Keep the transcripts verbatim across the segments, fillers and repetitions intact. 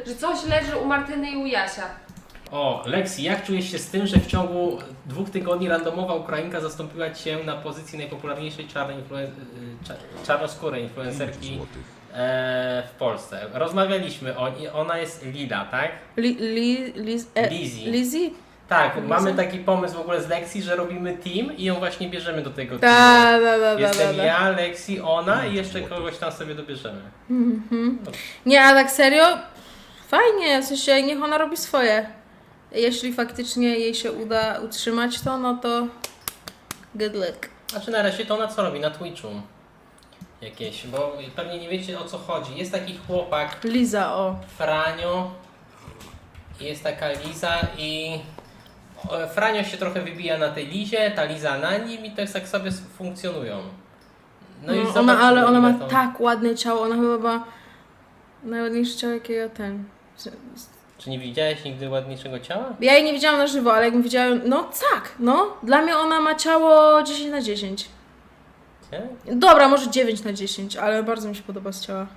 że coś leży u Martyny i u Jasia. O, Lexi, jak czujesz się z tym, że w ciągu dwóch tygodni randomowa Ukrainka zastąpiła Cię na pozycji najpopularniejszej czarnej influen- cza- czarnoskórej influencerki e, w Polsce? Rozmawialiśmy o niej, ona jest Lila, tak? Li, li, liz, e, Lizzie. Lizzie? Tak, Liza? mamy taki pomysł w ogóle z Lexi, że robimy team i ją właśnie bierzemy do tego Da, teamu. da, da, da, Jestem da. ja, Lexi, ona i jeszcze kogoś tam sobie dobierzemy. Mhm. Nie, a tak serio? Fajnie, w sensie niech ona robi swoje. Jeśli faktycznie jej się uda utrzymać to, no to good luck. Znaczy na razie to ona co robi? Na Twitchu jakieś, bo pewnie nie wiecie o co chodzi. Jest taki chłopak Liza, o. Franio, jest taka Liza i o, Franio się trochę wybija na tej Lizie, ta Liza na nim i to jest tak sobie funkcjonują. No, i ona, zobaczymy, ale ona ma ile to- tak ładne ciało, ona chyba ma najładniejsze ciało jakiego ten. Czy nie widziałeś nigdy ładniejszego ciała? Ja jej nie widziałam na żywo, ale jakbym widziała, no tak, no. Dla mnie ona ma ciało dziesięć na dziesięć. Nie? Dobra, może dziewięć na dziesięć, ale bardzo mi się podoba z ciała.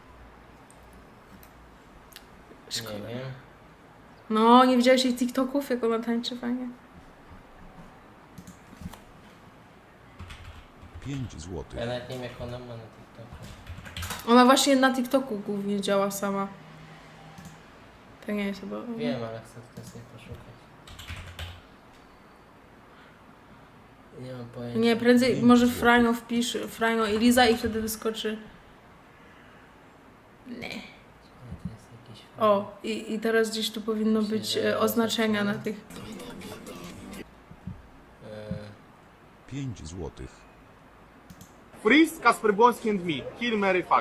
Szkoda. Nie wiem. No, nie widziałeś jej TikToków, jak ona tańczy fajnie? pięć złotych. Ja nawet nie wiem jak ona ma na TikToku. Ona właśnie na TikToku głównie działa sama. To nie jest chyba... Wiem, ale chcę tutaj sobie poszukać. Nie mam pojęcia. Nie, prędzej może Franio wpisz, Franio i Liza i wtedy wyskoczy. Nie. To jest jakiś O, i, i teraz gdzieś tu powinno być e, oznaczenia na tych. e, pięć złotych. Freeze, Kasper Błoński and me. Kill, Mary, fuck.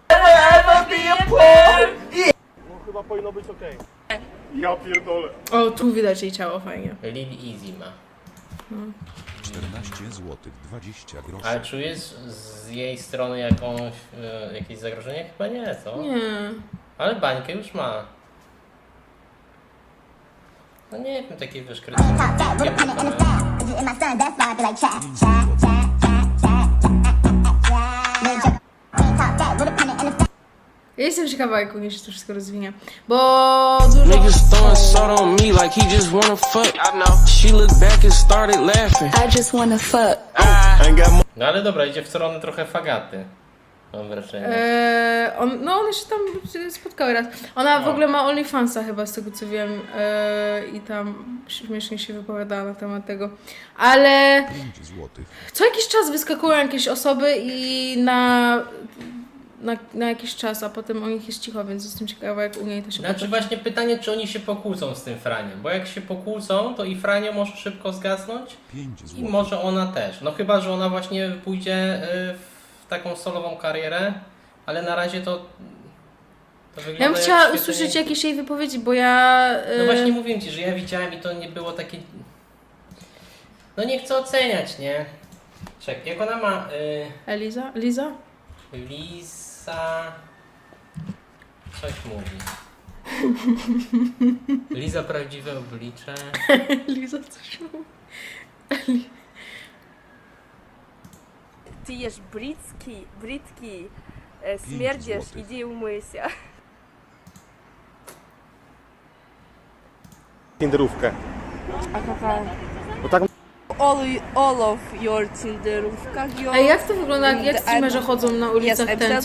No chyba powinno być okej. Ja pierdolę. O, tu widać jej ciało fajnie. Lil Easy ma. czternaście złotych dwadzieścia groszy. Ale czujesz z jej strony jakąś, e, jakieś zagrożenie? Chyba nie, co? Nie. Ale bańkę już ma. No nie wiem, takie wiesz, krytyczne. Nie wiem, Ja jestem ciekawa, jak u niej się to wszystko rozwinie. Bo dużo... Niggas throwing salt on me like he just wanna fuck. I know. She looked back and started laughing. I just wanna fuck. No ale dobra, idzie w stronę trochę fagaty. Mam wrażenie. Eee, on, no one się tam spotkały raz. Ona w No. ogóle ma OnlyFansa chyba z tego co wiem eee, i tam śmiesznie się wypowiadała na temat tego. Ale pięć złotych. co jakiś czas wyskakują jakieś osoby i na, na, na jakiś czas, a potem o nich jest cicho, więc jestem ciekawa jak u niej to się Znaczy potoczy. właśnie pytanie, czy oni się pokłócą z tym Franiem, bo jak się pokłócą, to i Franio może szybko zgasnąć pięć i złotych. może ona też. No chyba, że ona właśnie pójdzie y, w taką solową karierę, ale na razie to, to wygląda Ja bym jak chciała świetnie- usłyszeć jakieś jej wypowiedzi, bo ja... No eee, właśnie mówię Ci, że ja widziałem i to nie było takie... No nie chcę oceniać, nie? Czekaj, jak ona ma... Y, Eliza? Liza? Lisa... Coś mówi. Liza prawdziwe oblicze. Liza coś mówi. Ty jesz brytki, brytki, e, śmierdziesz, złotych. idzie umyj się. Tinderówkę. A jaka? Bo tak All, all of your Tinderówka, A jak to wygląda, jak streamerzy chodzą na ulicach Yes, ten,